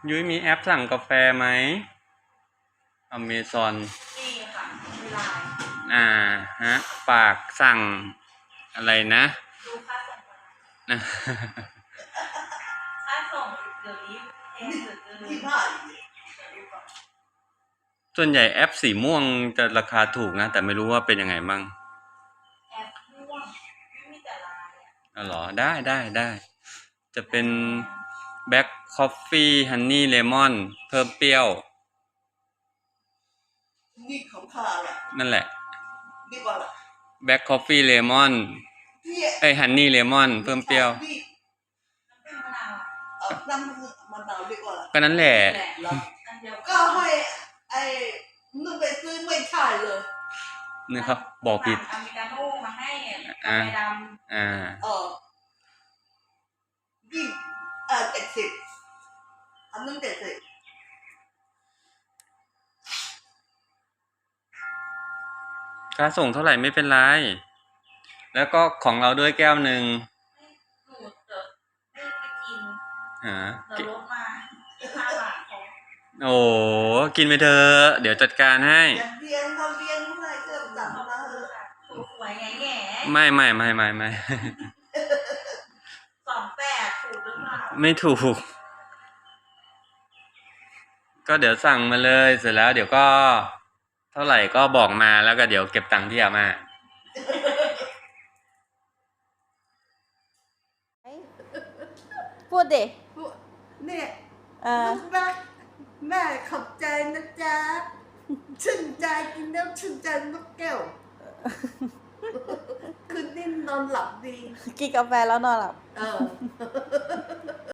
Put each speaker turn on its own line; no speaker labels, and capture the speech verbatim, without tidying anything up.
ยุ้ยมีแอปสั่งกาแฟไหมอเมซอน
นี่ค่ะเวลา
อ่าฮะฝากสั่งอะไรนะ
ดูค่าส่งก่อน
นะ
ค่าส่งเดี๋ยวนี้แพงเหลือเกิน
ยี่ห้า
ส่วนใหญ่แอปสีม่วงจะราคาถูกนะแต่ไม่รู้ว่าเป็นยังไงบ้าง
แอปม่วงไม่มีแต่ลายอ่ะ
อ๋อเหรอได้ได้ได้จะเป็นแบ็คคอฟฟี่ฮันนี่เลมอนเพิ่มเปรี้ยว
นี่ของข้าแหละ
นั่นแหละ
นี่ว่าละ
แบ็คคอฟฟี่เลมอนเอ้ยฮันนี่เลมอนเพิ่มเปรี้ยว
น้ำผึ้งมะนาวอ่ะ
เออน้ำมะนาวดีกว่าละ
ก็นั่นแหละ
แหละอันเดียว
ก็ให้ไอ้นึกไปซื้อไม่ใช่เลย
นี่ครับบอกผิด
อเมริกาโน่มาให้กา
อ่า
แฟดำ
อ่า
เออยี่เออเจ็ดสิบอันนึงเจ็ดสิบ
ค่าส่งเท่าไหร่ไม่เป็นไรแล้วก็ของเราด้วยแก้วหนึ่ง
หนูเดี๋ยวไม่ไปกิน
ฮะ
เดี๋ยวลดมาห้าบาทของ
โอ้กินไปเถอะเดี๋ยวจัดการให้
อย่าเรียนเขาเรียนเมื่อไหร่ก็จับ
ขอบ
มา
คุ
เถ
ณ
อะ
ค่ะถูกหวยไงแง่
ไม่ไม่ไม่ไม่ไม่
สองแปดถูกหรือเปล่า
ไม่ถูก ก็เดี๋ยวสั่งมาเลยเสร็จแล้วเดี๋ยวก็เท่าไหร่ก็บอกมาแล้วก็เดี๋ยวเก็บตังค์ที่อาม่า
พูดดิ
เนี่ย
เออ
ลูกรักแม่ขอบใจนะจ๊ะชื่นใจกินแล้วชื่นใจนกแก้วคืนนี้นอนหลับดี
กินกาแฟแล้วนอนหลับ
เออ